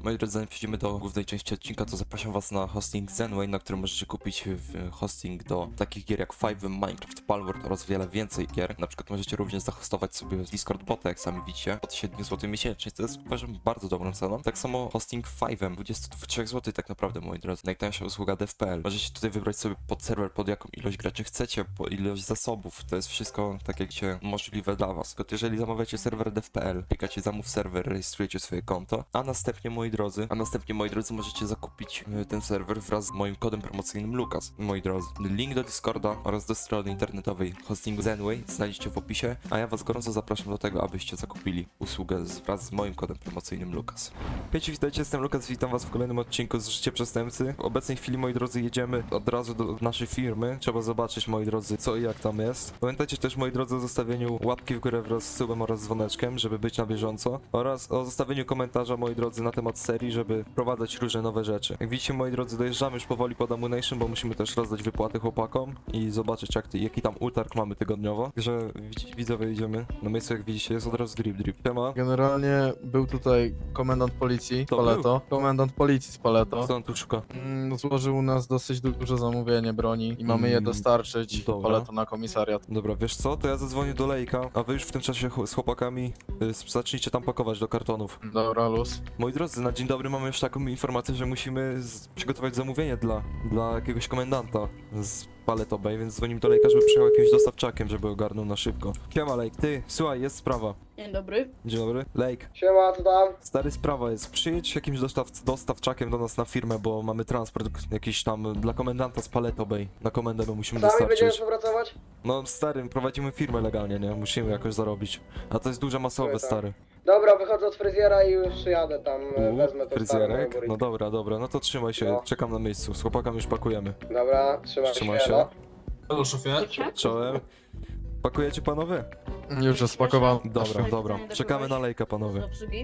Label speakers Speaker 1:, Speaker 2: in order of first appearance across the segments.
Speaker 1: Moi drodzy, zanim przejdziemy do głównej części odcinka, to zapraszam was na hosting Zenway, na którym możecie kupić hosting do takich gier jak Five'em, Minecraft, Palworld oraz wiele więcej gier. Na przykład możecie również zahostować sobie Discord bota, jak sami widzicie, od 7 zł miesięcznie, co jest uważam bardzo dobrą ceną. Tak samo hosting Five'em, 23 zł tak naprawdę, moi drodzy. Najtańsza usługa dev.pl. Możecie tutaj wybrać sobie pod serwer, pod jaką ilość graczy chcecie, po ilość zasobów. To jest wszystko tak jak się możliwe dla was. Tylko jeżeli zamawiacie serwer dev.pl, klikacie zamów serwer, rejestrujecie swoje konto, a następnie moi drodzy, możecie zakupić ten serwer wraz z moim kodem promocyjnym Lukas. Moi drodzy, link do Discorda oraz do strony internetowej hostingu Zenway znajdziecie w opisie, a ja was gorąco zapraszam do tego, abyście zakupili usługę wraz z moim kodem promocyjnym Lukas. Wiecie, witajcie, jestem Lukas, witam was w kolejnym odcinku z Życie Przestępcy. W obecnej chwili, moi drodzy, jedziemy od razu do naszej firmy. Trzeba zobaczyć, moi drodzy, co i jak tam jest. Pamiętajcie też, moi drodzy, o zostawieniu łapki w górę wraz z subem oraz dzwoneczkiem, żeby być na bieżąco, oraz o zostawieniu komentarza, moi drodzy, na temat serii, żeby wprowadzać różne nowe rzeczy. Jak widzicie, moi drodzy, dojeżdżamy już powoli pod Ammunition, bo musimy też rozdać wypłaty chłopakom i zobaczyć, jaki tam utarg mamy tygodniowo. Także widzowie, idziemy na miejscu, jak widzicie, jest od razu drip. Siema.
Speaker 2: Generalnie był tutaj komendant policji z
Speaker 1: To
Speaker 2: Paleto. Komendant policji z Paleto.
Speaker 1: Co on tu szuka?
Speaker 2: Złożył u nas dosyć duże zamówienie broni i mamy je dostarczyć
Speaker 1: dobra.
Speaker 2: Paleto na komisariat.
Speaker 1: Dobra, wiesz co, to ja zadzwonię do Lejka, a wy już w tym czasie z chłopakami zacznijcie tam pakować do kartonów.
Speaker 2: Dobra, luz.
Speaker 1: Moi drodzy, na dzień dobry mamy już taką informację, że musimy przygotować zamówienie dla jakiegoś komendanta z Paleto Bay, więc dzwonimy do Lejka, żeby przyjechał jakimś dostawczakiem, żeby ogarnął na szybko. Siema Lejk, ty, słuchaj, jest sprawa.
Speaker 3: Dzień dobry.
Speaker 1: Dzień dobry. Lejk,
Speaker 4: Siema, co tam?
Speaker 1: stary, sprawa jest, przyjedź jakimś dostawczakiem do nas na firmę, bo mamy transport jakiś tam dla komendanta z Paleto Bay. Na komendę my musimy
Speaker 4: Sami będziemy
Speaker 1: dostarczyć.
Speaker 4: współpracować?
Speaker 1: No stary, prowadzimy firmę legalnie, nie? Musimy jakoś zarobić. A to jest duże masowe,
Speaker 4: Tak, tak.
Speaker 1: stary.
Speaker 4: Dobra, wychodzę od fryzjera i już przyjadę tam, wezmę to
Speaker 1: Fryzjerek? No dobra, no to trzymaj się,
Speaker 4: No.
Speaker 1: czekam na miejscu, z chłopakami już pakujemy.
Speaker 4: Dobra, trzymaj się. No.
Speaker 5: Halo szefie.
Speaker 1: Czołem. Pakujecie panowie?
Speaker 2: Już jest spakowane.
Speaker 1: Dobra, czekamy na Lejka panowie.
Speaker 3: Do obsługi.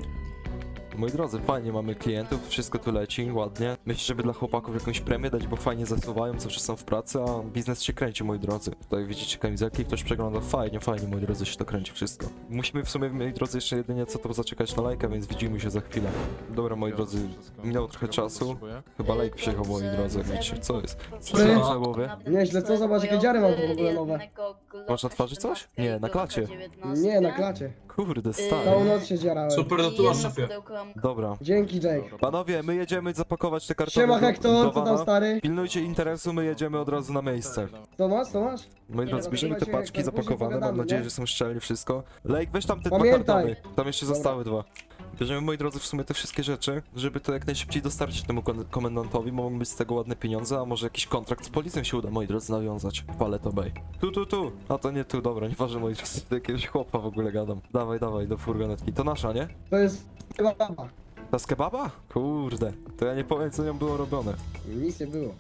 Speaker 1: Moi drodzy, fajnie mamy klientów, wszystko tu leci, ładnie. Myślę, żeby dla chłopaków jakąś premię dać, bo fajnie zasuwają, zawsze są w pracy, a biznes się kręci, moi drodzy. Tutaj widzicie kamizelki, ktoś przegląda, fajnie, moi drodzy, się to kręci wszystko. Musimy w sumie, moi drodzy, jeszcze jedynie co to zaczekać na Lejka, więc widzimy się za chwilę. Dobra, moi drodzy, minęło trochę czasu. Chyba Lejk przyjechał, moi drodzy, jak widzicie, co jest? Co
Speaker 4: Ty?
Speaker 1: na głowie?
Speaker 4: Nieźle, co? Zobacz, jakie dziary mam w ogóle nowe.
Speaker 1: Masz na twarzy coś? Nie, na klacie.
Speaker 4: Nie, na klacie.
Speaker 1: Kurde,
Speaker 4: Całą
Speaker 1: stary.
Speaker 4: noc się dzierałem.
Speaker 5: Super, no to masz szefie.
Speaker 1: Dobra.
Speaker 4: Dzięki, Jake.
Speaker 1: Panowie, my jedziemy zapakować te kartony
Speaker 4: Siema,
Speaker 1: do
Speaker 4: Hektor, co tam,
Speaker 1: wana.
Speaker 4: stary?
Speaker 1: Pilnujcie interesu, my jedziemy od razu na miejsce.
Speaker 4: Co masz, co masz?
Speaker 1: Moi drodzy, bierzemy te paczki zapakowane, mam nadzieję, że są szczelnie wszystko. Lejk, weź tam te dwa
Speaker 4: Pamiętaj.
Speaker 1: kartony. Tam jeszcze
Speaker 4: Dobra.
Speaker 1: zostały dwa. Bierzemy, moi drodzy, w sumie te wszystkie rzeczy, żeby to jak najszybciej dostarczyć temu komendantowi, bo mogą być z tego ładne pieniądze, a może jakiś kontrakt z policją się uda, moi drodzy, nawiązać w Paleto Bay. Tu. A to nie tu, dobra, nieważne, moi drodzy, do jakiegoś chłopa w ogóle gadam. Dawaj, do furgonetki. To nasza, nie?
Speaker 4: To jest chyba baba.
Speaker 1: Ta z kebaba? Kurde, to ja nie powiem, co nią było robione.
Speaker 4: Nic nie było.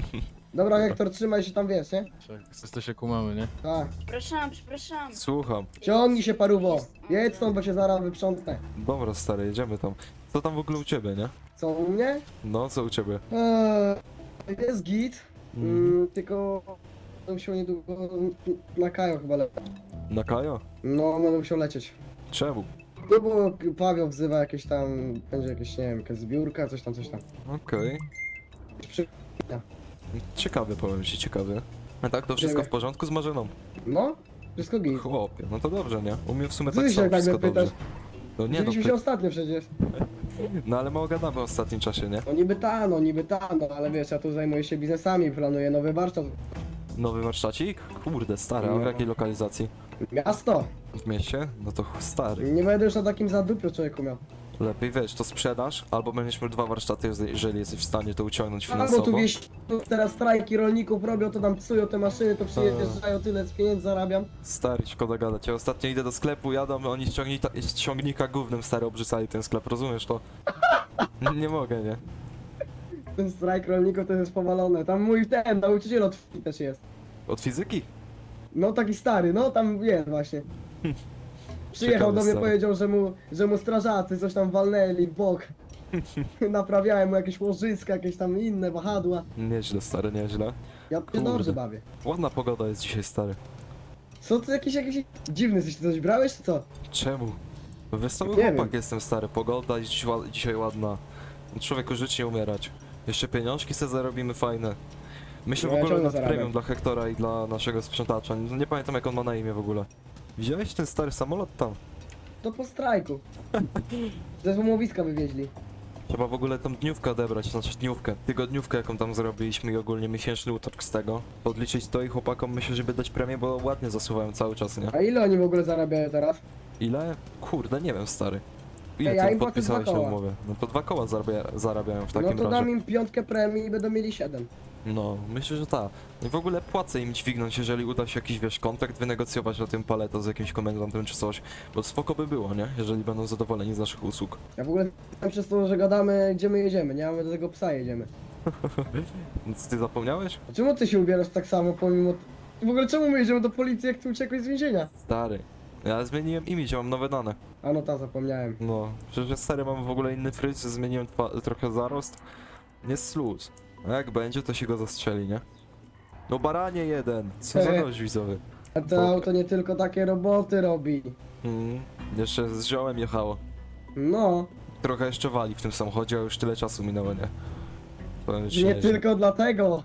Speaker 4: Dobra, Hektor, trzymaj się tam, wiesz, nie?
Speaker 2: Wszyscy się kumamy, nie?
Speaker 4: Tak.
Speaker 3: Przepraszam.
Speaker 1: Słucham.
Speaker 4: Ciągnij się, paruwo. Jedź stąd, bo się zaraz wyprzątnę.
Speaker 1: Dobra, stary, jedziemy tam. Co tam w ogóle u ciebie, nie?
Speaker 4: Co, u mnie?
Speaker 1: No, co u ciebie?
Speaker 4: Jest git. Tylko... Będę musiał niedługo na Kajo chyba lecieć.
Speaker 1: Na Kajo?
Speaker 4: No, będę musiał lecieć.
Speaker 1: Czemu?
Speaker 4: No bo Paweł wzywa jakieś tam, będzie jakieś, nie wiem, jakaś zbiórka, coś tam.
Speaker 1: Okej.
Speaker 4: Przy...
Speaker 1: Ciekawy, powiem ci, ciekawy. A tak, to wszystko w porządku z Marzeną?
Speaker 4: No, wszystko git.
Speaker 1: Chłopie, no to dobrze, nie? U mnie w sumie
Speaker 4: Ty
Speaker 1: tak
Speaker 4: się
Speaker 1: samo,
Speaker 4: tak
Speaker 1: wszystko
Speaker 4: mnie pytasz.
Speaker 1: dobrze. No nie, no,
Speaker 4: Widzieliśmy się ostatnio przecież.
Speaker 1: no ale mało gadamy w ostatnim czasie, nie?
Speaker 4: No niby ta, no ale wiesz, ja tu zajmuję się biznesami, planuję nowy warsztat.
Speaker 1: Nowy warsztacik? Kurde, stary, a w
Speaker 4: No.
Speaker 1: jakiej lokalizacji?
Speaker 4: Miasto!
Speaker 1: W mieście? No to stary.
Speaker 4: Nie będę już na takim zadupiu człowieku miał.
Speaker 1: Lepiej wiesz, to sprzedaż, albo będziesz miał dwa warsztaty, jeżeli jesteś w stanie to uciągnąć
Speaker 4: Albo
Speaker 1: finansowo.
Speaker 4: tu wieś, teraz strajki rolników robią, to tam psują te maszyny, to przyjeżdżają, tyle z pieniędzy zarabiam.
Speaker 1: Stary, szkoda gadać. Ja ostatnio idę do sklepu, jadą, oni z ciągnika gównem stary obrzucali ten sklep, rozumiesz to? Nie mogę, nie?
Speaker 4: Ten strajk rolników to jest powalone. Tam mój ten nauczyciel od też jest.
Speaker 1: Od fizyki?
Speaker 4: No taki stary, no tam jest właśnie. Przyjechał do mnie,
Speaker 1: stary.
Speaker 4: powiedział, że mu strażacy coś tam walnęli w bok. Naprawiałem mu jakieś łożyska, jakieś tam inne wahadła.
Speaker 1: Nieźle, stary, nieźle.
Speaker 4: Ja się dobrze bawię.
Speaker 1: Ładna pogoda jest dzisiaj, stary.
Speaker 4: Co ty jakiś dziwny jesteś, ty coś brałeś czy co?
Speaker 1: Czemu? Wesoły
Speaker 4: Nie
Speaker 1: chłopak
Speaker 4: wiem.
Speaker 1: jestem, stary. Pogoda jest dzisiaj ładna. Człowieku, żyć nie umierać. Jeszcze pieniążki sobie zarobimy fajne. Myślę
Speaker 4: No,
Speaker 1: w
Speaker 4: ja
Speaker 1: ogóle
Speaker 4: ciągle
Speaker 1: nad
Speaker 4: zarabiam.
Speaker 1: premium dla Hektora i dla naszego sprzątacza. Nie pamiętam jak on ma na imię w ogóle. Widziałeś ten stary samolot tam?
Speaker 4: To po strajku. Ze złomowiska wywieźli.
Speaker 1: Trzeba w ogóle tą dniówkę odebrać, znaczy dniówkę, tygodniówkę jaką tam zrobiliśmy i ogólnie miesięczny utarg z tego. Podliczyć to i chłopakom myślę, żeby dać premię, bo ładnie zasuwają cały czas, nie?
Speaker 4: A ile oni w ogóle zarabiają teraz?
Speaker 1: Ile? Kurde, nie wiem, stary. Ile
Speaker 4: Ej, ja
Speaker 1: ty
Speaker 4: im płacę
Speaker 1: podpisałeś
Speaker 4: 2
Speaker 1: na
Speaker 4: koła.
Speaker 1: umowę? No to 2 koła zarabiają w takim
Speaker 4: No to
Speaker 1: razie.
Speaker 4: dam im 5 premii i będą mieli 7.
Speaker 1: No, myślę, że tak. I w ogóle płacę im dźwignąć, jeżeli uda się jakiś, wiesz, kontrakt wynegocjować na tym paleto z jakimś komendantem czy coś. Bo spoko by było, nie? Jeżeli będą zadowoleni z naszych usług.
Speaker 4: Ja w ogóle tam przez to, że gadamy, gdzie my jedziemy, nie? A my do tego psa jedziemy.
Speaker 1: Więc ty zapomniałeś?
Speaker 4: A czemu ty się ubierasz tak samo pomimo... W ogóle czemu my jedziemy do policji, jak ty uciekłeś z więzienia?
Speaker 1: Stary. Ja zmieniłem imię, mam nowe dane.
Speaker 4: A no ta, zapomniałem.
Speaker 1: No, przecież ja stary mam w ogóle inny fryz, zmieniłem trochę zarost. Jest luz. A jak będzie, to się go zastrzeli, nie? No baranie jeden! Co za gość widzowy.
Speaker 4: A to auto nie tylko takie roboty robi.
Speaker 1: Jeszcze z ziołem jechało.
Speaker 4: No,
Speaker 1: Trochę jeszcze wali w tym samochodzie, a już tyle czasu minęło, nie? Powiem ci,
Speaker 4: nie
Speaker 1: nieźle.
Speaker 4: tylko dlatego.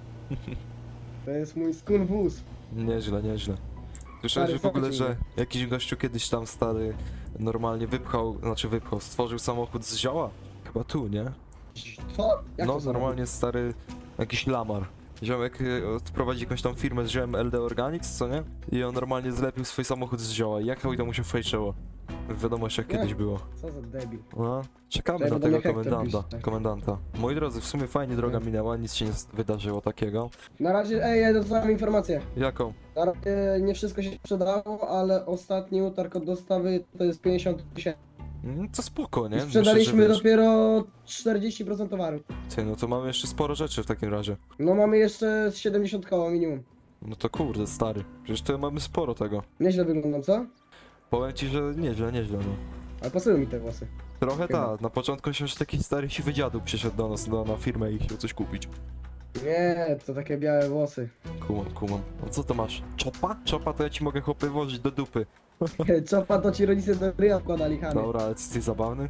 Speaker 4: To jest mój skun wóz.
Speaker 1: Nieźle, nieźle. Słyszałeś
Speaker 4: Stary,
Speaker 1: w ogóle,
Speaker 4: fajnie.
Speaker 1: że jakiś gościu kiedyś tam stary normalnie wypchał, stworzył samochód z zioła? Chyba tu, nie?
Speaker 4: Co? Jak
Speaker 1: No,
Speaker 4: to zrobił?
Speaker 1: normalnie stary, jakiś lamar. Ziomek prowadzi jakąś tam firmę z ziołem LD Organics, co nie? I on normalnie zlepił swój samochód z zioła. Jechał i to mu się fejczyło. W wiadomościach
Speaker 4: Nie.
Speaker 1: kiedyś było.
Speaker 4: Co za debil.
Speaker 1: No, czekamy
Speaker 4: Czekaj,
Speaker 1: na
Speaker 4: bo do mnie
Speaker 1: tego
Speaker 4: Hektor pisze.
Speaker 1: komendanta. Moi drodzy, w sumie fajnie droga minęła, nic się nie wydarzyło takiego.
Speaker 4: Na razie, ja dostałem informację.
Speaker 1: Jaką?
Speaker 4: Na razie nie wszystko się sprzedało, ale ostatni utarg od dostawy to jest 50 000.
Speaker 1: To spoko, nie?
Speaker 4: I sprzedaliśmy
Speaker 1: Myślę, że
Speaker 4: dopiero 40% towaru.
Speaker 1: Ty, no to mamy jeszcze sporo rzeczy w takim razie.
Speaker 4: No mamy jeszcze z 70 koła minimum.
Speaker 1: No to kurde, stary. Przecież to mamy sporo tego.
Speaker 4: Nieźle wyglądam, co?
Speaker 1: Powiem ci, że nieźle, nieźle, no.
Speaker 4: Ale pasują mi te włosy.
Speaker 1: Trochę
Speaker 4: Chyba.
Speaker 1: tak. Na początku myślałem, że taki stary siwy dziadu przyszedł do nas na firmę i chciał coś kupić.
Speaker 4: Nie, to takie białe włosy.
Speaker 1: Kumam. A co to masz? Czopa? Czopa to ja ci mogę chłopy włożyć do dupy.
Speaker 4: Czopa to ci rodzice do ryja wkładali, Hany.
Speaker 1: Dobra, ale ty zabawny?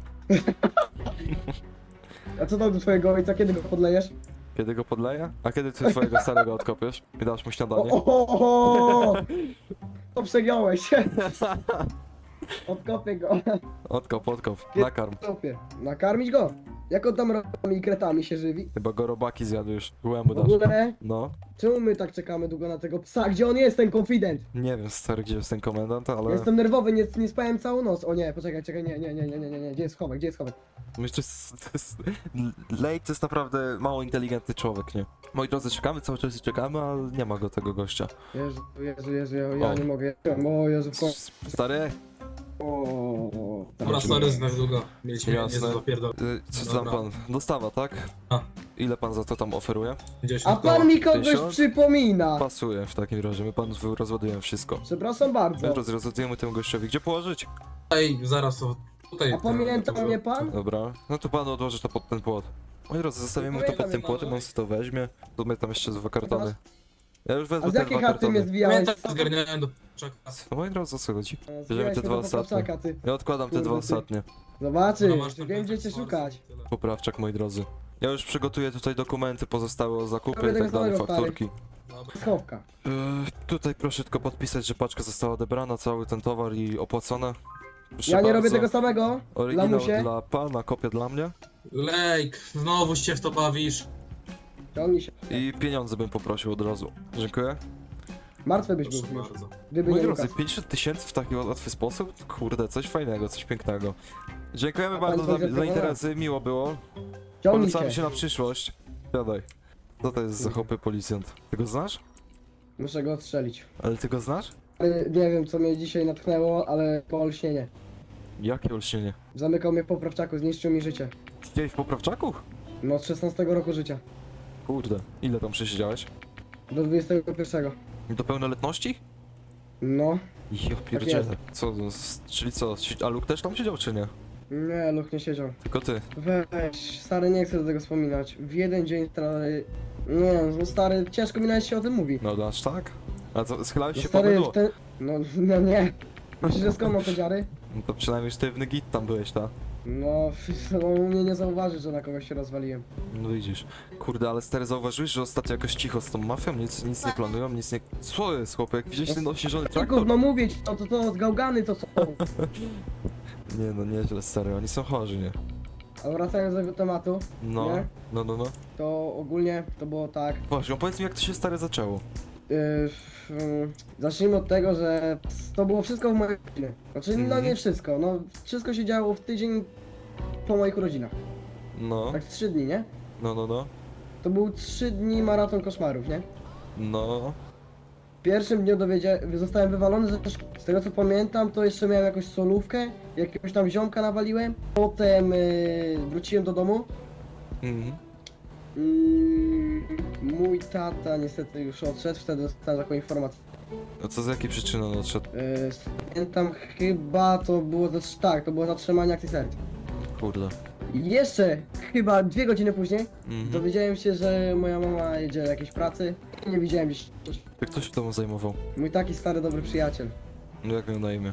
Speaker 4: A co tam do twojego ojca, kiedy go podlejesz?
Speaker 1: Kiedy go podleję? A kiedy ty twojego starego odkopiesz? I dasz mu śniadanie?
Speaker 4: O! To przegiąłeś. Odkopię go.
Speaker 1: Odkop. Nakarm.
Speaker 4: Odkopię. Nakarmić go? Jak on tam robami i kretami się żywi?
Speaker 1: Chyba go robaki zjadł już. Łemu
Speaker 4: W
Speaker 1: dasz.
Speaker 4: ogóle,
Speaker 1: No.
Speaker 4: czemu my tak czekamy długo na tego psa? Gdzie on jest, ten konfident?
Speaker 1: Nie wiem, stary, gdzie jest ten komendant, ale...
Speaker 4: Jestem nerwowy, nie spałem całą noc. O nie, poczekaj, nie. Gdzie jest schowek,
Speaker 1: Myślę, że Lake to jest naprawdę mało inteligentny człowiek, nie? Moi drodzy, czekamy, cały czas czekamy, a nie ma go tego gościa.
Speaker 4: Jezu, ja
Speaker 1: O.
Speaker 4: nie mogę. O Jezu, w końcu.
Speaker 1: Stary,
Speaker 4: O.
Speaker 5: Dobra, sorry, znak długo. Mieliśmy
Speaker 1: Jasne.
Speaker 5: niezły dopierdol.
Speaker 1: co tam
Speaker 5: Dobra.
Speaker 1: pan? Dostawa, tak?
Speaker 5: A.
Speaker 1: Ile pan za to tam oferuje?
Speaker 5: 10
Speaker 4: A pan mi kogoś
Speaker 1: 1000?
Speaker 4: przypomina.
Speaker 1: Pasuje w takim razie, my panu rozładujemy wszystko.
Speaker 4: Przepraszam bardzo.
Speaker 1: My rozładujemy temu gościowi, gdzie położyć?
Speaker 5: Tutaj, zaraz to tutaj.
Speaker 4: A pamięta
Speaker 5: to-
Speaker 4: mnie pan?
Speaker 1: Dobra, no to panu odłożę to pod ten płot. Moi drodzy, zostawimy to pod
Speaker 4: Pamiętam
Speaker 1: tym
Speaker 4: je
Speaker 1: płotem,
Speaker 4: pan.
Speaker 1: on sobie to weźmie. Tu my tam jeszcze 2 kartony. Ja już wezmę
Speaker 4: A z
Speaker 1: te
Speaker 4: jakiej
Speaker 1: 2
Speaker 4: chaty mnie
Speaker 1: kartony.
Speaker 4: zwijałeś?
Speaker 5: Pamiętam, zgarniałem do czeka.
Speaker 1: No, moi drodzy, o co chodzi?
Speaker 4: Zwijałeś
Speaker 1: Bierzemy te
Speaker 4: mnie
Speaker 1: 2
Speaker 4: do
Speaker 1: ostatnie.
Speaker 4: poprawczaka, ty.
Speaker 1: Ja odkładam te 2
Speaker 4: Kurde, ty.
Speaker 1: ostatnie.
Speaker 4: Zobaczysz,
Speaker 5: No, masz ten
Speaker 4: wiem gdzie cię
Speaker 5: kontakt,
Speaker 4: szukać.
Speaker 5: tyle.
Speaker 1: Poprawczak, moi drodzy. Ja już przygotuję tutaj dokumenty pozostałe o zakupy
Speaker 4: Robię
Speaker 1: i tak
Speaker 4: tego
Speaker 1: dalej,
Speaker 4: samego, stary.
Speaker 1: fakturki.
Speaker 5: Dobra.
Speaker 4: Schowka.
Speaker 1: Tutaj proszę tylko podpisać, że paczka została odebrana, cały ten towar i opłacone. Proszę
Speaker 4: Ja nie robię
Speaker 1: bardzo.
Speaker 4: tego samego.
Speaker 1: Oryginał
Speaker 4: Lamusie.
Speaker 1: dla pana, kopia dla mnie.
Speaker 5: Lejk, znowu się w to bawisz.
Speaker 4: Ciągnij się.
Speaker 1: I pieniądze bym poprosił od razu. Dziękuję.
Speaker 4: Martwy byś był
Speaker 5: Proszę
Speaker 4: już.
Speaker 5: bardzo.
Speaker 4: Gdyby
Speaker 1: Moi
Speaker 4: nie
Speaker 1: drodzy,
Speaker 4: Lukas.
Speaker 1: 50 000 w taki łatwy sposób? Kurde, coś fajnego, coś pięknego. Dziękujemy
Speaker 4: A
Speaker 1: bardzo
Speaker 4: pan
Speaker 1: za
Speaker 4: podziękował?
Speaker 1: interesy, miło było.
Speaker 4: Ciągnij
Speaker 1: Polecamy się
Speaker 4: się.
Speaker 1: na przyszłość. Siadaj. Co to jest za chłopy policjant? Ty go znasz?
Speaker 4: Muszę go odstrzelić.
Speaker 1: Ale ty go znasz?
Speaker 4: Nie wiem co mnie dzisiaj natchnęło, ale po olśnienie.
Speaker 1: Jakie olśnienie?
Speaker 4: Zamykał mnie w poprawczaku, zniszczył mi życie.
Speaker 1: Siedziałeś w poprawczaku?
Speaker 4: No od 16 roku życia.
Speaker 1: Kurde, ile tam przesiedziałeś?
Speaker 4: Do 21.
Speaker 1: Do pełnoletności?
Speaker 4: No.
Speaker 1: Ja pierdzielę. Co, czyli co, a Luke też tam siedział czy nie?
Speaker 4: Nie, Luch nie siedział.
Speaker 1: Tylko ty.
Speaker 4: Weź, stary, nie chcę do tego wspominać. W jeden dzień, stary... Nie, no stary, ciężko mi nawet się o tym mówi.
Speaker 1: No aż tak? A co, schylałeś
Speaker 4: No
Speaker 1: się
Speaker 4: stary,
Speaker 1: po mydło?
Speaker 4: No nie. Myślisz, że skąd mam te dziary?
Speaker 1: No to przynajmniej sztywny git tam byłeś, ta?
Speaker 4: No, no u mnie nie zauważy, że na kogoś się rozwaliłem.
Speaker 1: No widzisz. Kurde, ale stary, zauważyłeś, że ostatnio jakoś cicho z tą mafią? Nic nie planują, nic nie... Co jest, chłopek? Widziałeś ten ośnieżony traktor?
Speaker 4: Tylko, no mówię ci, to gałgany to są.
Speaker 1: Nie no, nieźle, stary, oni są chorzy, nie?
Speaker 4: A wracając do tego tematu,
Speaker 1: No,
Speaker 4: Nie?
Speaker 1: no.
Speaker 4: to ogólnie to było tak.
Speaker 1: Właśnie, opowiedz mi, jak to się, stary, zaczęło.
Speaker 4: Zacznijmy od tego, że to było wszystko w mojej rodzinie. Znaczy, no
Speaker 1: Mhm.
Speaker 4: nie wszystko, no wszystko się działo w tydzień po moich urodzinach.
Speaker 1: No,
Speaker 4: Tak 3 dni, nie?
Speaker 1: no.
Speaker 4: To był 3 dni maraton koszmarów, nie?
Speaker 1: No,
Speaker 4: W pierwszym dniu zostałem wywalony ze szkoły. Z tego co pamiętam, to jeszcze miałem jakąś solówkę, jakiegoś tam ziomka nawaliłem. Potem wróciłem do domu.
Speaker 1: mhm.
Speaker 4: Mój tata niestety już odszedł, wtedy dostałem taką informację.
Speaker 1: A co z jakiej przyczyny on odszedł?
Speaker 4: Pamiętam chyba to było, to było zatrzymanie akcji serca.
Speaker 1: Kurde.
Speaker 4: I jeszcze chyba 2 godziny później
Speaker 1: Mhm.
Speaker 4: dowiedziałem się, że moja mama jedzie do jakiejś pracy. Nie widziałem gdzieś.
Speaker 1: To kto się tobą zajmował?
Speaker 4: Mój taki stary dobry przyjaciel.
Speaker 1: No jak miał na imię?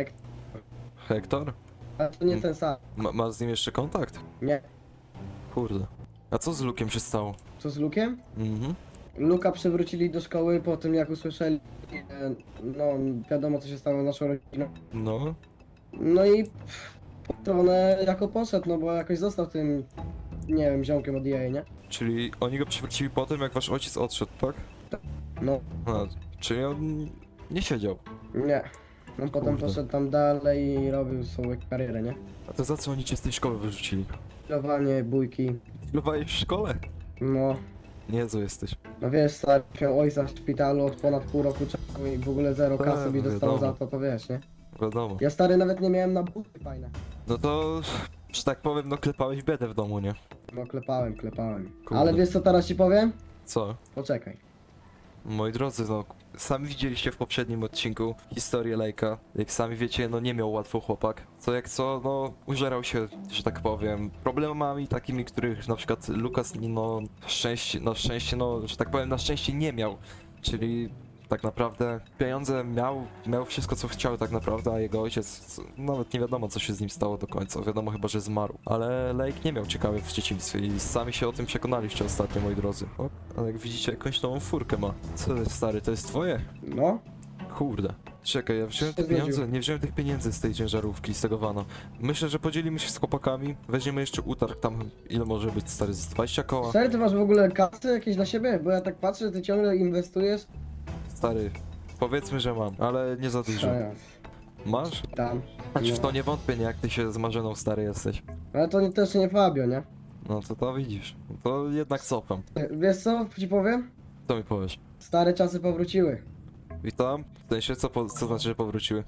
Speaker 1: Hektor?
Speaker 4: A to nie ten sam.
Speaker 1: Masz z nim jeszcze kontakt?
Speaker 4: Nie.
Speaker 1: Kurde. A co z Lukiem się stało?
Speaker 4: Co z Lukiem?
Speaker 1: Mhm.
Speaker 4: Luka przywrócili do szkoły po tym jak usłyszeli, no wiadomo co się stało z naszą rodziną.
Speaker 1: No.
Speaker 4: No i po stronę jako poszedł, no bo jakoś został tym, nie wiem, ziomkiem od EA, nie?
Speaker 1: Czyli oni go przywrócili po tym, jak wasz ojciec odszedł, tak?
Speaker 4: No,
Speaker 1: A, czyli on nie siedział.
Speaker 4: nie. No potem
Speaker 1: Kurde.
Speaker 4: poszedł tam dalej i robił swoją karierę, nie?
Speaker 1: A to za co oni cię z tej szkoły wyrzucili?
Speaker 4: Pilowanie, bójki,
Speaker 1: Pilowałeś w szkole?
Speaker 4: no.
Speaker 1: Niezły jesteś.
Speaker 4: No wiesz, stary, miał ojca w szpitalu od ponad pół roku czasu i w ogóle zero
Speaker 1: Tak,
Speaker 4: kasy mi dostał
Speaker 1: wiadomo.
Speaker 4: za to, to wiesz, nie?
Speaker 1: Wiadomo.
Speaker 4: Ja stary nawet nie miałem na buty fajne.
Speaker 1: No to, że tak powiem, no klepałeś biedę w domu, nie?
Speaker 4: No klepałem.
Speaker 1: Kurde.
Speaker 4: Ale wiesz co teraz ci powiem?
Speaker 1: Co?
Speaker 4: Poczekaj.
Speaker 1: Moi drodzy, no, sami widzieliście w poprzednim odcinku historię Lejka. Jak sami wiecie, no nie miał łatwo chłopak. Co jak co, no, użerał się, że tak powiem, problemami takimi, których na przykład Lukas, no, szczęście, no, że tak powiem, na szczęście nie miał. Czyli tak naprawdę pieniądze miał wszystko co chciał tak naprawdę, a jego ojciec, nawet nie wiadomo co się z nim stało do końca, wiadomo chyba, że zmarł. Ale Lake nie miał ciekawych w dzieciństwie i sami się o tym przekonaliście ostatnio, moi drodzy. O, ale jak widzicie, jakąś nową furkę ma. Co jest, stary, to jest twoje?
Speaker 4: No,
Speaker 1: Kurde. Czekaj, ja wziąłem te
Speaker 4: Się zgodził.
Speaker 1: pieniądze, nie wziąłem tych pieniędzy z tej ciężarówki, z tego vana. Myślę, że podzielimy się z chłopakami, weźmiemy jeszcze utarg tam, ile może być, stary, z 20 koła?
Speaker 4: stary, ty masz w ogóle kasy jakieś dla siebie? Bo ja tak patrzę, że ty ciągle inwestujesz.
Speaker 1: Stary, powiedzmy, że mam, ale nie za dużo.
Speaker 4: Ja,
Speaker 1: Masz?
Speaker 4: tam.
Speaker 1: Znaczy w
Speaker 4: No.
Speaker 1: to nie wątpię, nie, jak ty się z Marzeną stary jesteś.
Speaker 4: Ale to też nie Fabio, nie?
Speaker 1: No to widzisz. To jednak cofam.
Speaker 4: Wiesz co ci powiem?
Speaker 1: Co mi powiesz?
Speaker 4: Stare czasy powróciły.
Speaker 1: Witam. W sensie, co znaczy, że powróciły?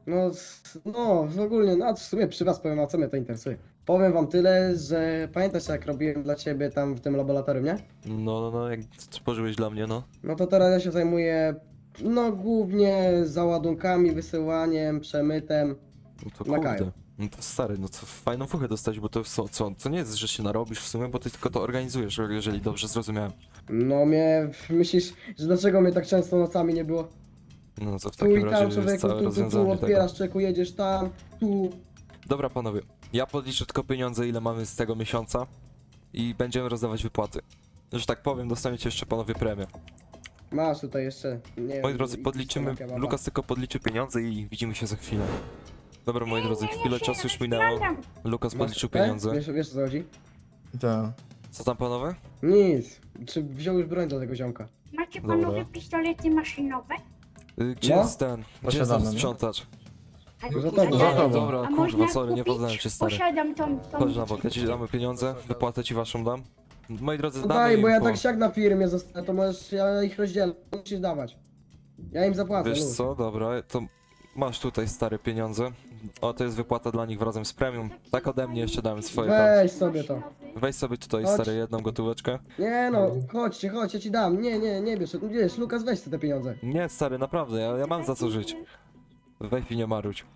Speaker 4: No, ogólnie, no w sumie przy was powiem, a co mnie to interesuje. Powiem wam tyle, że pamiętasz jak robiłem dla ciebie tam w tym laboratorium, nie?
Speaker 1: No, jak tworzyłeś dla mnie, no.
Speaker 4: No to teraz ja się zajmuję, no głównie załadunkami, wysyłaniem, przemytem.
Speaker 1: No to
Speaker 4: Na Kaju.
Speaker 1: kurde. No to stary, no to fajną fuchę dostać, bo to co nie jest, że się narobisz w sumie, bo ty tylko to organizujesz, jeżeli dobrze zrozumiałem.
Speaker 4: No myślisz, że dlaczego mnie tak często nocami nie było?
Speaker 1: No to w
Speaker 4: Tu i
Speaker 1: takim razie
Speaker 4: tam
Speaker 1: jest
Speaker 4: człowieku,
Speaker 1: całe
Speaker 4: tu
Speaker 1: rozwiązanie tego.
Speaker 4: otwierasz czeku, jedziesz tam, tu.
Speaker 1: Dobra panowie, ja podliczę tylko pieniądze, ile mamy z tego miesiąca i będziemy rozdawać wypłaty. Że tak powiem, dostaniecie jeszcze panowie premię.
Speaker 4: Masz tutaj jeszcze, nie
Speaker 1: Moi
Speaker 4: wiem,
Speaker 1: drodzy, podliczymy,
Speaker 4: na kebaba.
Speaker 1: Lukas tylko podliczy pieniądze i widzimy się za chwilę. Dobra, moi drodzy, chwilę czasu już minęło. Lukas
Speaker 4: Masz
Speaker 1: podliczył
Speaker 4: tutaj?
Speaker 1: pieniądze.
Speaker 4: Wiesz o co chodzi?
Speaker 2: Tak.
Speaker 1: Co tam panowie?
Speaker 4: Nic. Czy wziął już broń do tego ziomka?
Speaker 3: Macie
Speaker 1: Dobra.
Speaker 3: panowie pistolety maszynowe?
Speaker 1: Gdzie
Speaker 4: No?
Speaker 1: jest ten? Gdzie jest
Speaker 2: Posiadamy,
Speaker 1: ten
Speaker 2: nie?
Speaker 1: sprzątacz?
Speaker 3: A-
Speaker 4: Za tobą.
Speaker 2: Za tobą.
Speaker 1: Dobra,
Speaker 3: a
Speaker 1: kurwa,
Speaker 3: można
Speaker 1: sorry, nie
Speaker 3: kupić?
Speaker 1: poznałem cię, stary.
Speaker 3: Posiadam tą
Speaker 1: Chodź na bok, ja ci damy pieniądze, wypłatę ci waszą dam. Moi drodzy,
Speaker 4: No
Speaker 1: damy
Speaker 4: daj,
Speaker 1: im
Speaker 4: bo ja
Speaker 1: po...
Speaker 4: tak siak na firmie zostanę, to możesz, ja ich rozdzielę, musisz dawać. Ja im zapłacę,
Speaker 1: Wiesz
Speaker 4: luz.
Speaker 1: co, dobra, to masz tutaj stare pieniądze. O, to jest wypłata dla nich razem z premium. Tak ode mnie jeszcze dałem swoje tam.
Speaker 4: Weź sobie to.
Speaker 1: Weź sobie tutaj,
Speaker 4: Chodź.
Speaker 1: stary, jedną gotóweczkę.
Speaker 4: Nie no, chodź, ja ci dam. Nie bierz, wiesz, Lukas, weź te pieniądze.
Speaker 1: Nie, stary, naprawdę, ja mam za co żyć. Weź i nie maruć.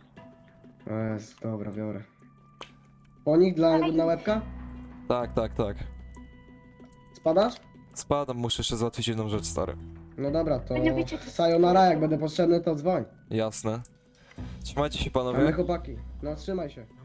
Speaker 4: Dobra, biorę. Po nich na łebka?
Speaker 1: Tak.
Speaker 4: Spadasz?
Speaker 1: Spadam, muszę jeszcze załatwić jedną rzecz, stary.
Speaker 4: No dobra, to
Speaker 3: Nie wiecie, co-
Speaker 4: sayonara, jak będę potrzebny, to dzwoń.
Speaker 1: Jasne. Trzymajcie się,
Speaker 4: Ale
Speaker 1: panowie.
Speaker 4: chłopaki, no trzymaj się.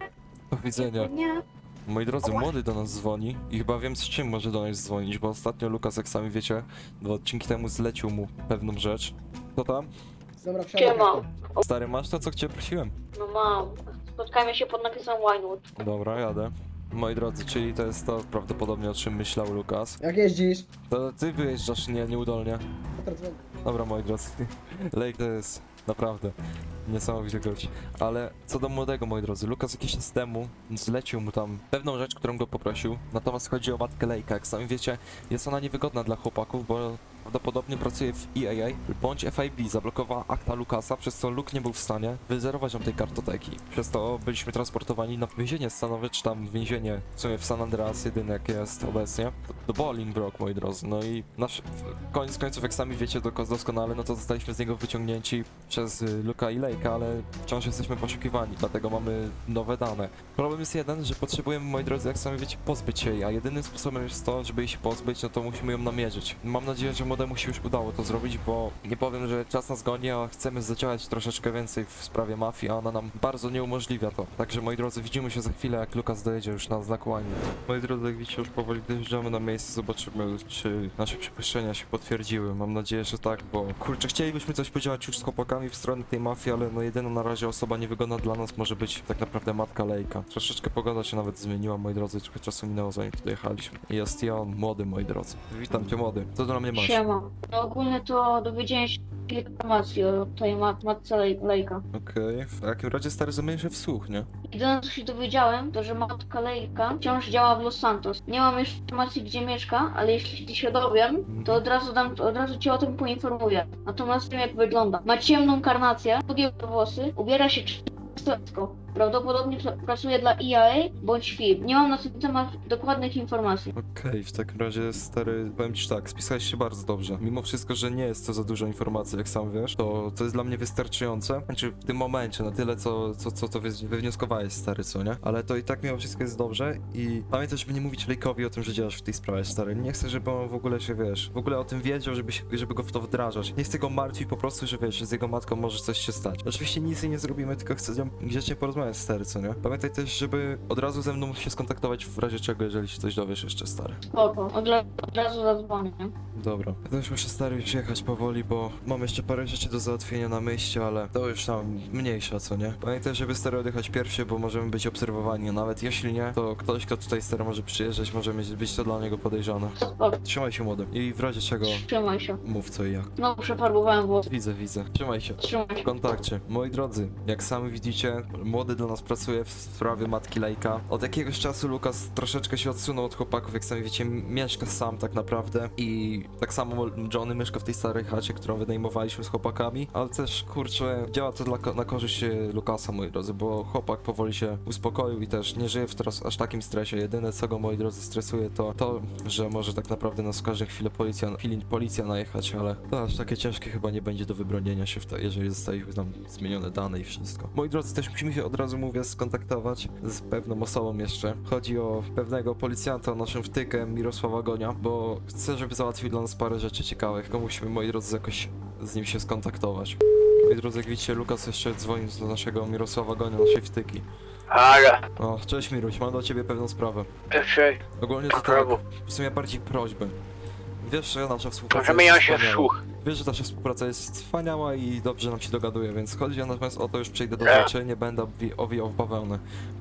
Speaker 1: Do widzenia.
Speaker 3: Nie.
Speaker 1: Moi drodzy, młody do nas dzwoni i chyba wiem, z czym może do nas dzwonić, bo ostatnio Lukas, jak sami wiecie, 2 odcinki temu zlecił mu pewną rzecz. Co tam?
Speaker 4: Dobra, wsiadaj.
Speaker 6: Siema.
Speaker 1: Stary, masz to, co cię prosiłem?
Speaker 6: No mam. Spotkajmy się pod napisem Winewood.
Speaker 1: Dobra, jadę. Moi drodzy, czyli to jest to prawdopodobnie, o czym myślał Lukas.
Speaker 4: Jak jeździsz?
Speaker 1: To ty wyjeżdżasz nieudolnie.
Speaker 4: Teraz dzwonię.
Speaker 1: Dobra, moi drodzy, Lake to jest naprawdę niesamowity gość. Ale co do młodego, moi drodzy, Lukas jakiś czas temu zlecił mu tam pewną rzecz, którą go poprosił. Natomiast chodzi o matkę Lake'a. Jak sami wiecie, jest ona niewygodna dla chłopaków, bo prawdopodobnie pracuje w EAA bądź FIB. Zablokowała akta Lukasa, przez co Luke nie był w stanie wyzerować nam tej kartoteki. Przez to byliśmy transportowani na więzienie stanowe, czy tam więzienie w sumie w San Andreas, jedyne jakie jest obecnie, do Bolingbroke, moi drodzy. No i nasz koniec końców, jak sami wiecie doskonale, no to zostaliśmy z niego wyciągnięci przez Luka i Lake'a, ale wciąż jesteśmy poszukiwani, dlatego mamy nowe dane. Problem jest jeden, że potrzebujemy, moi drodzy, jak sami wiecie, pozbyć się jej, a jedynym sposobem jest to, żeby jej się pozbyć, no to musimy ją namierzyć. Mam nadzieję, że młodemu się już udało to zrobić, bo nie powiem, że czas nas goni, a chcemy zadziałać troszeczkę więcej w sprawie mafii, a ona nam bardzo nie umożliwia to. Także, moi drodzy, widzimy się za chwilę, jak Lukas dojedzie już na znak Wine. Moi drodzy, jak widzicie, już powoli dojeżdżamy na miejsce, zobaczymy, czy nasze przypuszczenia się potwierdziły. Mam nadzieję, że tak, bo kurczę, chcielibyśmy coś podziałać już z chłopakami w stronę tej mafii, ale no jedyna na razie osoba niewygodna dla nas może być tak naprawdę matka Lake'a. Troszeczkę pogoda się nawet zmieniła, moi drodzy, trochę czasu minęło, zanim tu dojechaliśmy. I jest i on, młody, moi drodzy. Witam cię, młody. Co do mnie masz?
Speaker 6: Siema. No ogólnie to dowiedziałem się kilka informacji o tej matce Lejka.
Speaker 1: Okej, w takim razie stary zamienię się w słuch, nie?
Speaker 6: Jedyne co się dowiedziałem, to że matka Lejka wciąż działa w Los Santos. Nie mam jeszcze informacji gdzie mieszka, ale jeśli się dowiem, to od razu cię o tym poinformuję. Natomiast wiem jak wygląda. Ma ciemną karnację, długie włosy, ubiera się czysto. Prawdopodobnie pracuje dla EAA bądź FIB. Nie mam na ten temat dokładnych informacji.
Speaker 1: Okej, w takim razie stary, powiem ci tak, spisałeś się bardzo dobrze. Mimo wszystko, że nie jest to za dużo informacji, jak sam wiesz, to jest dla mnie wystarczające. Znaczy w tym momencie, na tyle co to wywnioskowałeś, stary, co nie? Ale to i tak mimo wszystko jest dobrze i pamiętaj, żeby nie mówić Lake'owi o tym, że działasz w tej sprawie, stary. Nie chcę, żeby on w ogóle się, wiesz, w ogóle o tym wiedział, żeby go w to wdrażać. Nie chcę go martwić po prostu, że wiesz, że z jego matką może coś się stać. Oczywiście nic jej nie zrobimy, tylko chcę z nią grzecznie porozmawiać, stary, co nie? Pamiętaj też, żeby od razu ze mną się skontaktować w razie czego, jeżeli się coś dowiesz jeszcze, stary.
Speaker 6: Spoko, od razu zadzwonię.
Speaker 1: Dobra. Ja też muszę, stary, już jechać powoli, bo mam jeszcze parę rzeczy do załatwienia na mieście, ale to już tam mniejsza, co nie? Pamiętaj, żeby, stary, odjechać pierwszy, bo możemy być obserwowani, a nawet jeśli nie, to ktoś, kto tutaj, stary, może przyjeżdżać, może być to dla niego podejrzane.
Speaker 6: Spoko,
Speaker 1: Trzymaj się, młody. I w razie czego
Speaker 6: trzymaj się.
Speaker 1: mów co i jak.
Speaker 6: No przefarbowałem włosy.
Speaker 1: Widzę. Trzymaj się.
Speaker 6: Trzymaj
Speaker 1: W
Speaker 6: się.
Speaker 1: kontakcie. Moi drodzy, jak sami widzicie, młody dla nas pracuje w sprawie matki Lake'a. Od jakiegoś czasu Lukas troszeczkę się odsunął od chłopaków, jak sami wiecie, mieszka sam tak naprawdę i tak samo Johnny mieszka w tej starej chacie, którą wynajmowaliśmy z chłopakami, ale też, kurczę, działa to na korzyść Lukasa, moi drodzy, bo chłopak powoli się uspokoił i też nie żyje w teraz aż takim stresie. Jedyne, co go, moi drodzy, stresuje, to, że może tak naprawdę nas w każdej chwili policja najechać, ale to aż takie ciężkie chyba nie będzie do wybronienia się, jeżeli zostały tam zmienione dane i wszystko. Moi drodzy, też musimy się od razu, mówię, skontaktować z pewną osobą jeszcze. Chodzi o pewnego policjanta, naszym wtykiem, Mirosława Gonia, bo chcę, żeby załatwił dla nas parę rzeczy ciekawych, tylko musimy, moi drodzy, jakoś z nim się skontaktować. Moi drodzy, jak widzicie, Lukas jeszcze dzwoni do naszego Mirosława Gonia, naszej wtyki.
Speaker 7: Ale,
Speaker 1: O, cześć Miruś, mam do ciebie pewną sprawę.
Speaker 7: pierwszej,
Speaker 1: Ogólnie to tak, w sumie bardziej prośbę. Wiesz, że nasza współpraca
Speaker 7: możemy ją
Speaker 1: jest
Speaker 7: się
Speaker 1: wspaniała.
Speaker 7: słuch.
Speaker 1: Wiesz, że nasza współpraca jest wspaniała i dobrze nam się dogaduje, więc chodzi natomiast o to, już przejdę do rzeczy, nie będę owijał w bawełnę.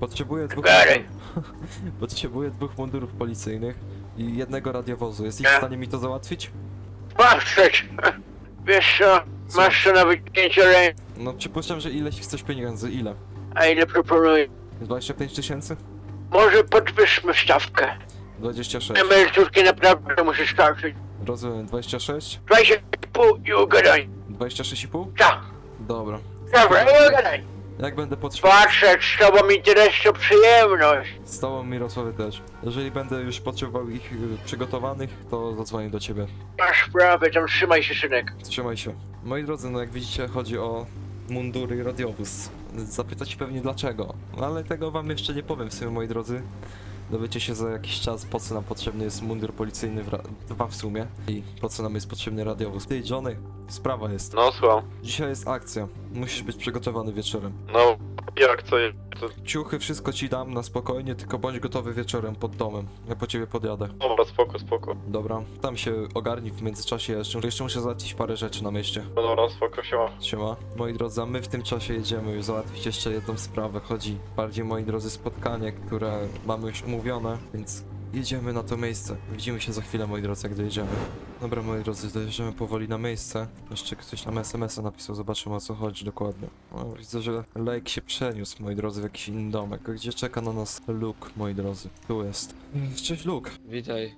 Speaker 1: Potrzebuję dwóch mundurów policyjnych i jednego radiowozu. Jesteś w stanie mi to załatwić?
Speaker 7: Patrzeć! Wiesz co, masz to na wycięcie ręki,
Speaker 1: No, przypuszczam, że ileś chcesz pieniędzy. Ile?
Speaker 7: a ile proponuję?
Speaker 1: 25 tysięcy?
Speaker 7: Może podwyższmy stawkę.
Speaker 1: 26.
Speaker 7: Emeryturki naprawdę muszę starczyć.
Speaker 1: Rozumiem, 26?
Speaker 7: 20,5 i ugadaj.
Speaker 1: 26,5?
Speaker 7: Tak,
Speaker 1: Dobra.
Speaker 7: dobra, i ugadaj.
Speaker 1: Jak będę potrzebował...
Speaker 7: Patrzeć z tobą interes to przyjemność.
Speaker 1: Z tobą, Mirosławy, też. Jeżeli będę już potrzebował ich przygotowanych, to zadzwonię do ciebie.
Speaker 7: Masz sprawę, tam trzymaj się, synek.
Speaker 1: Trzymaj się. Moi drodzy, no jak widzicie, chodzi o mundury i radiowóz. Zapytać pewnie dlaczego, no ale tego wam jeszcze nie powiem w sumie, moi drodzy. Dowiecie się za jakiś czas, po co nam potrzebny jest mundur policyjny, dwa w sumie, i po co nam jest potrzebny radiowóz. Ty, Johnny, sprawa jest.
Speaker 7: No słucham.
Speaker 1: Dzisiaj jest akcja. Musisz być przygotowany wieczorem.
Speaker 7: No, jak co jest?
Speaker 1: Ciuchy, wszystko ci dam na spokojnie, tylko bądź gotowy wieczorem pod domem. Ja po ciebie podjadę.
Speaker 7: Dobra, spoko, spoko.
Speaker 1: Dobra, tam się ogarnij w międzyczasie jeszcze muszę załatwić parę rzeczy na mieście.
Speaker 7: No dobra, spoko, siema.
Speaker 1: Siema. Moi drodzy, a my w tym czasie jedziemy już załatwić jeszcze jedną sprawę. Chodzi bardziej, moi drodzy, spotkanie, które mamy już umówione, więc jedziemy na to miejsce. Widzimy się za chwilę, moi drodzy, jak dojedziemy. Dobra, moi drodzy, dojeżdżamy powoli na miejsce. Jeszcze ktoś nam SMS-a napisał, zobaczymy, o co chodzi dokładnie. O, widzę, że Lake się przeniósł, moi drodzy, w jakiś inny domek. Gdzie czeka na nas Luke, moi drodzy? Tu jest. Cześć, Luke.
Speaker 8: Witaj.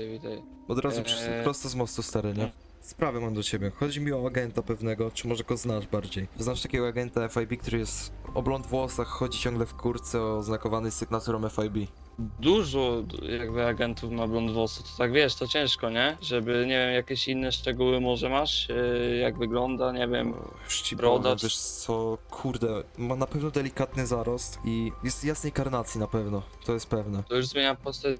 Speaker 1: Od razu
Speaker 8: Eee.
Speaker 1: prosto z mostu, stary, nie? Sprawę mam do ciebie. Chodzi mi o agenta pewnego, czy może go znasz bardziej. Znasz takiego agenta FIB, który jest o blond włosach, chodzi ciągle w kurce oznakowany sygnaturą FIB.
Speaker 8: Dużo jakby agentów ma blond włosy, to tak wiesz, to ciężko, nie? Żeby, nie wiem, jakieś inne szczegóły może masz, jak wygląda, nie wiem.
Speaker 1: Już ci
Speaker 8: Broda,
Speaker 1: powiem,
Speaker 8: czy-
Speaker 1: wiesz co, kurde, ma na pewno delikatny zarost i jest jasnej karnacji na pewno, to jest pewne.
Speaker 8: To już zmienia postać,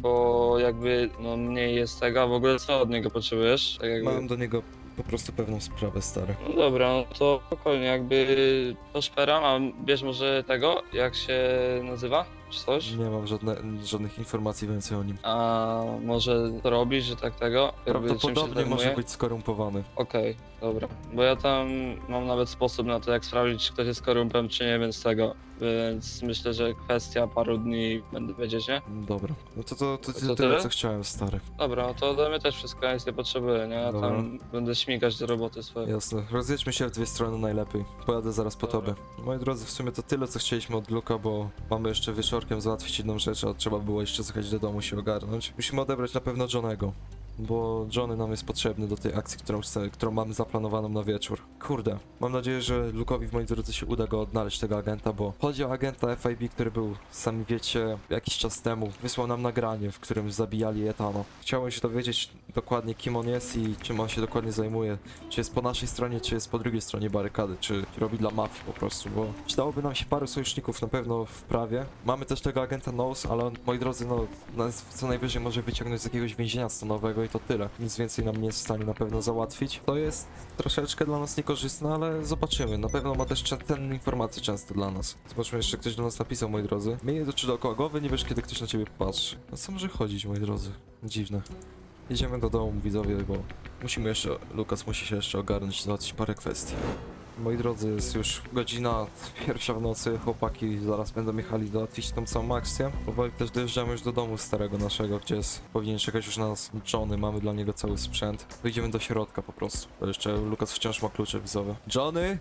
Speaker 8: bo jakby, no mniej jest tego, a w ogóle co od niego potrzebujesz? Tak jakby...
Speaker 1: Mam do niego po prostu pewną sprawę, stary.
Speaker 8: No dobra, no to spokojnie, jakby to szperam, a wiesz może tego, jak się nazywa, czy coś?
Speaker 1: Nie mam żadnych informacji więcej o nim.
Speaker 8: A może to robisz, że tak tego? Jakby czym się
Speaker 1: Prawdopodobnie może
Speaker 8: zajmuje?
Speaker 1: być skorumpowany.
Speaker 8: Okej, dobra. Bo ja tam mam nawet sposób na to, jak sprawdzić, czy ktoś jest korumpem, czy nie, więc tego. Więc myślę, że kwestia paru dni będę wiedzieć, nie?
Speaker 1: Dobra, no to
Speaker 8: To
Speaker 1: tyle,
Speaker 8: tyle?
Speaker 1: co chciałem, stary.
Speaker 8: Dobra, to ode mnie też wszystko, ja nic nie potrzebuję, nie? Ja
Speaker 1: Dobra.
Speaker 8: tam będę śmigać do roboty swojej.
Speaker 1: Jasne, rozjedźmy się w dwie strony najlepiej. Pojadę zaraz po
Speaker 8: Dobra.
Speaker 1: tobie. Moi drodzy, w sumie to tyle, co chcieliśmy od Luka, bo mamy jeszcze wieczorkiem załatwić jedną rzecz, a trzeba było jeszcze zjechać do domu się ogarnąć. Musimy odebrać na pewno Johnego, bo Johnny nam jest potrzebny do tej akcji, którą mamy zaplanowaną na wieczór. Kurde, mam nadzieję, że Luke'owi, moi drodzy, się uda go odnaleźć, tego agenta, bo chodzi o agenta FIB, który był, sami wiecie, jakiś czas temu. Wysłał nam nagranie, w którym zabijali Etano. Chciałem się dowiedzieć dokładnie, kim on jest i czym on się dokładnie zajmuje. Czy jest po naszej stronie, czy jest po drugiej stronie barykady, czy robi dla mafii po prostu, bo przydałoby nam się paru sojuszników na pewno w prawie. Mamy też tego agenta Nose, ale on, moi drodzy, no, nas co najwyżej może wyciągnąć z jakiegoś więzienia stanowego i to tyle. Nic więcej nam nie jest w stanie na pewno załatwić. To jest troszeczkę dla nas niekorzystne, ale zobaczymy. Na pewno ma też cenne informacje często dla nas. Zobaczmy, jeszcze ktoś do nas napisał, moi drodzy. Miej oczy dookoła głowy, nie wiesz, kiedy ktoś na ciebie patrzy. No co może chodzić, moi drodzy? Dziwne. Jedziemy do domu, widzowie, bo musimy jeszcze, Lukas musi się jeszcze ogarnąć i załatwić parę kwestii. Moi drodzy, jest już godzina 1 w nocy, chłopaki zaraz będą jechali załatwić tą całą akcję. Powoli też dojeżdżamy już do domu starego naszego, gdzie jest, powinien czekać już na nas Johnny, mamy dla niego cały sprzęt. Wyjdziemy do środka po prostu, bo jeszcze Lukas wciąż ma klucze widzowe. Johnny?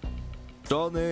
Speaker 1: Johnny?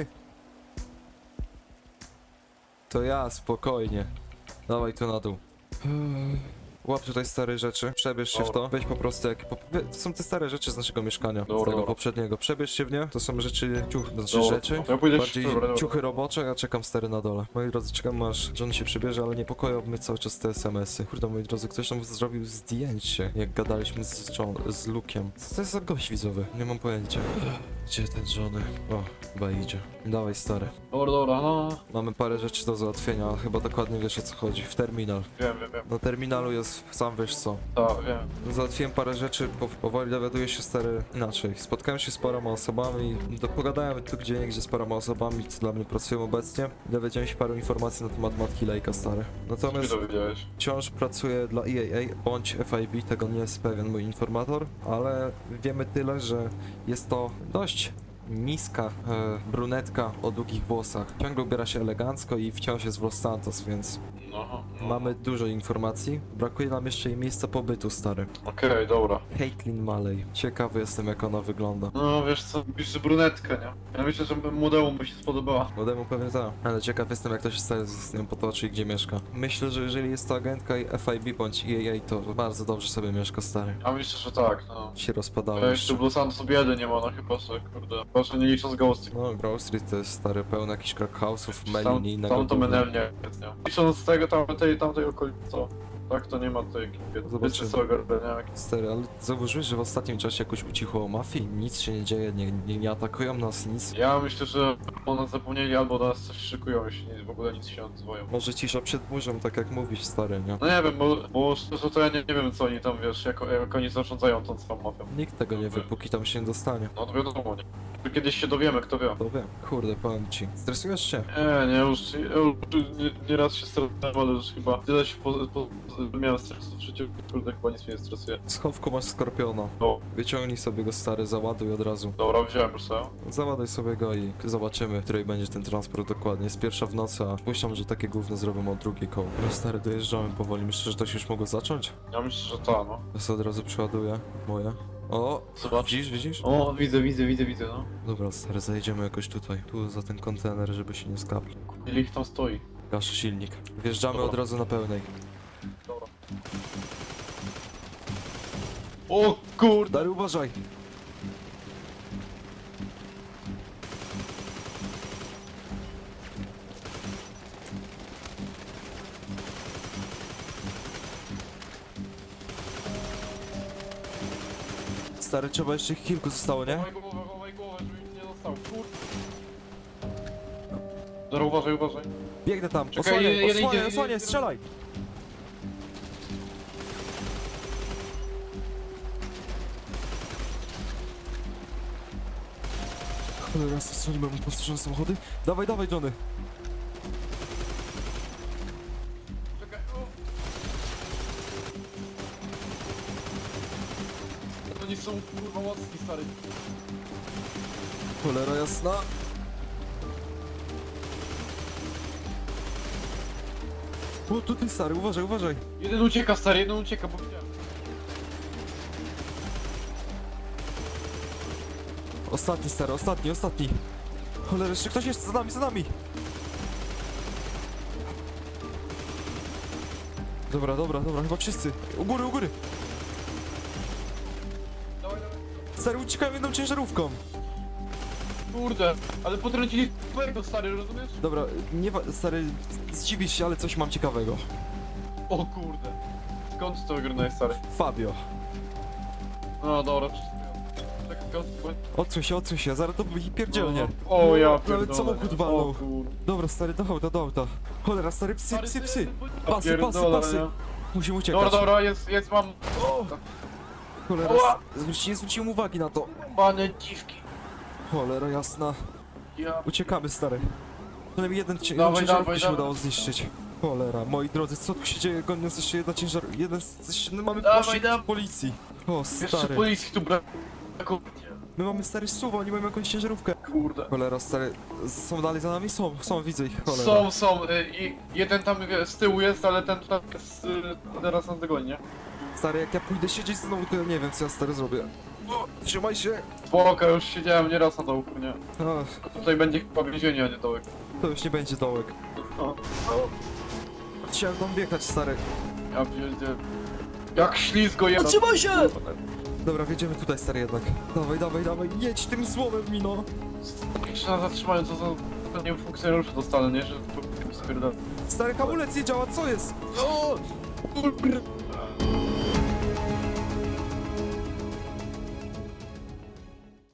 Speaker 1: To ja, spokojnie. Dawaj tu na dół. Łap tutaj stare rzeczy, przebierz się w to, weź po prostu to są te stare rzeczy z naszego mieszkania, z tego poprzedniego, przebierz się w nie, to są rzeczy, rzeczy,
Speaker 9: Ja pójdę
Speaker 1: bardziej ciuchy robocze, ja czekam stary na dole. Moi drodzy, czekam aż John się przybierze, ale niepokoją mnie cały czas te SMS-y. Kurde, moi drodzy, ktoś tam zrobił zdjęcie, jak gadaliśmy z Luke'iem. Co to jest za gość widzowy? Nie mam pojęcia. Gdzie ten Johnny? O, chyba idzie. Dawaj stary.
Speaker 9: Dobra, no.
Speaker 1: Mamy parę rzeczy do załatwienia, chyba dokładnie wiesz o co chodzi. W terminal.
Speaker 9: Wiem.
Speaker 1: Na terminalu jest, sam wiesz co.
Speaker 9: Tak, wiem.
Speaker 1: Załatwiłem parę rzeczy, powoli dowiaduję się stary inaczej. Spotkałem się z paroma osobami, pogadałem tu gdzie z paroma osobami, co dla mnie pracują obecnie. Dowiedziałem się paru informacji na temat matki Lake'a, stary.
Speaker 9: Co mi
Speaker 1: Natomiast
Speaker 9: dowiedziałeś?
Speaker 1: wciąż pracuję dla EAA bądź FIB, tego nie jest pewien mój informator, ale wiemy tyle, że jest to dość niska brunetka o długich włosach. Ciągle ubiera się elegancko i wciąż jest w Los Santos, więc
Speaker 9: No.
Speaker 1: mamy dużo informacji. Brakuje nam jeszcze jej miejsca pobytu, stary.
Speaker 9: Okej, dobra.
Speaker 1: Caitlin Maley. Ciekawy jestem, jak ona wygląda.
Speaker 9: No wiesz co, pisz brunetkę, nie? Ja myślę, że młodemu mu się spodobała.
Speaker 1: Młodemu pewnie tak, ale ciekaw jestem, jak to się stanie z nią potoczy i gdzie mieszka. Myślę, że jeżeli jest to agentka i FIB bądź EAA, to bardzo dobrze sobie mieszka, stary.
Speaker 9: Ja myślę, że tak, no.
Speaker 1: Się rozpadało
Speaker 9: Ja jeszcze
Speaker 1: jeszcze.
Speaker 9: w Los Santos biedy nie ma, no chyba że, kurde. Proszę nie licząc Ghost.
Speaker 1: No, Grove Street to jest stary, pełno jakichś crack house'ów, Melin i innego
Speaker 9: Tam to
Speaker 1: gówna.
Speaker 9: menel nie, nie. Licząc z tego tamtej okolicy, co? Tak to nie ma tutaj ekipy.
Speaker 1: Zobaczymy.
Speaker 9: Wiecie co ogarniak.
Speaker 1: Stary, ale zauważyłeś, że w ostatnim czasie jakoś ucichło o mafii? Nic się nie dzieje, nie atakują nas, nic.
Speaker 9: Ja myślę, że o nas zapomnieli albo do nas coś szykują, jeśli w ogóle nic się nie odzywają.
Speaker 1: Może cisza przed burzą, tak jak mówisz, stary, nie?
Speaker 9: No nie wiem, bo szczerze to ja nie wiem co oni tam, wiesz, jak oni zarządzają tą całą mafią.
Speaker 1: Nikt tego nie wie, póki tam się nie dostanie.
Speaker 9: No to wiadomo, nie. Kiedyś się dowiemy, kto wie.
Speaker 1: To wiem. Kurde, powiem ci. Stresujesz się?
Speaker 9: Nie, już nieraz się stresowałem, ale już chyba tyle się miałem stresu w życiu, kurde, chyba nic mnie nie stresuje.
Speaker 1: W schowku masz skorpiona.
Speaker 9: No,
Speaker 1: Wyciągnij sobie go, stary, załaduj od razu.
Speaker 9: dobra, wziąłem już sobie.
Speaker 1: Załaduj sobie go i zobaczymy, której będzie ten transport dokładnie. Jest pierwsza w nocy, a puszczam, że takie gówno zrobią o drugiej koło. No stary, dojeżdżamy powoli. Myślę, że to się już mogło zacząć?
Speaker 9: Ja myślę, że ta, no.
Speaker 1: Ja sobie od razu przeładuję moje. O!
Speaker 9: Zobacz.
Speaker 1: Widzisz?
Speaker 9: O, widzę, no.
Speaker 1: Dobra, stary, zajedziemy jakoś tutaj. Tu za ten kontener, żeby się nie skapli.
Speaker 9: Ile ich tam stoi?
Speaker 1: Gaszy silnik. Wjeżdżamy
Speaker 9: Dobra.
Speaker 1: od razu na pełnej.
Speaker 9: Dobra. O kurde!
Speaker 1: Stary, uważaj! Stary, trzeba jeszcze ich kilku zostało, nie?
Speaker 9: Chowaj głowę, żeby ich nie dostał, kurde. Dobra, uważaj.
Speaker 1: Biegnę tam,
Speaker 9: Czekaj,
Speaker 1: osłaniaj,
Speaker 9: jeden
Speaker 1: osłaniaj,
Speaker 9: idzie,
Speaker 1: osłaniaj,
Speaker 9: jeden.
Speaker 1: strzelaj! Cholera, co nie mamy postrzeżone samochody? Dawaj, Johnny!
Speaker 9: Czekaj, o! Oni są kurwa mocni, stary.
Speaker 1: Cholera jasna! O, tutaj stary, uważaj!
Speaker 9: Jeden ucieka, stary, bo widziałem.
Speaker 1: Ostatni, stary, ostatni! Cholera, jeszcze ktoś jest za nami! Dobra, chyba wszyscy. U góry!
Speaker 9: Dawaj.
Speaker 1: Stary, uciekałem jedną ciężarówką!
Speaker 9: Kurde, ale potrącili twojego, stary, rozumiesz?
Speaker 1: Dobra, stary, zdziwisz się, ale coś mam ciekawego.
Speaker 9: O kurde. Skąd to wygrnąłeś, stary?
Speaker 1: Fabio.
Speaker 9: No dobra, czekaj,
Speaker 1: Odsuń się, zaraz to pierdzielnie.
Speaker 9: O ja
Speaker 1: Nawet
Speaker 9: pierdolę.
Speaker 1: samochód walnął.
Speaker 9: O kurde.
Speaker 1: Dobra, stary, do auta. Cholera, stary, psy!
Speaker 9: Ja
Speaker 1: Pasy!
Speaker 9: pierdolę, nie?
Speaker 1: Musimy uciekać.
Speaker 9: Dobra, jest, mam...
Speaker 1: Cholera,
Speaker 9: Oła!
Speaker 1: nie zwróciłem uwagi na to.
Speaker 9: Bane dziwki.
Speaker 1: Cholera jasna.
Speaker 9: Ja...
Speaker 1: Uciekamy, stary. Przynajmniej jeden
Speaker 9: Dawaj,
Speaker 1: ciężarówkę się
Speaker 9: dawaj.
Speaker 1: udało zniszczyć. Cholera, moi drodzy, co tu się dzieje? Goni nas jeszcze jedna mamy
Speaker 9: Dawaj,
Speaker 1: pościg
Speaker 9: dawaj.
Speaker 1: z policji. O,
Speaker 9: Jeszcze
Speaker 1: stary.
Speaker 9: policji tu brakuje.
Speaker 1: My mamy stary suwa, oni mają jakąś ciężarówkę.
Speaker 9: Kurde.
Speaker 1: Cholera, stary, są dalej za nami? Są, widzę ich, cholera.
Speaker 9: Są. I jeden tam z tyłu jest, ale ten tutaj jest teraz nas dogoni, nie?
Speaker 1: Stary, jak ja pójdę siedzieć znowu, to ja nie wiem, co ja stary zrobię. O, trzymaj się.
Speaker 9: Spoko, już siedziałem nieraz na dołku, nie?
Speaker 1: Ach,
Speaker 9: A tutaj będzie chyba więzienie, a nie dołek.
Speaker 1: to już nie będzie dołek.
Speaker 9: No.
Speaker 1: Chciałem tam wjechać, stary.
Speaker 9: Ja pierdzie... Jak ślizgo jest.
Speaker 1: Zatrzymaj się! Dobra, wjedziemy tutaj, stary, jednak. Dawaj, jedź tym złomem, Mino.
Speaker 9: Jeszcze nas zatrzymają, co za... Nie funkcjonariusze dostanę, nie? Że to spierdolę.
Speaker 1: Stary, hamulec nie działa, co jest? O!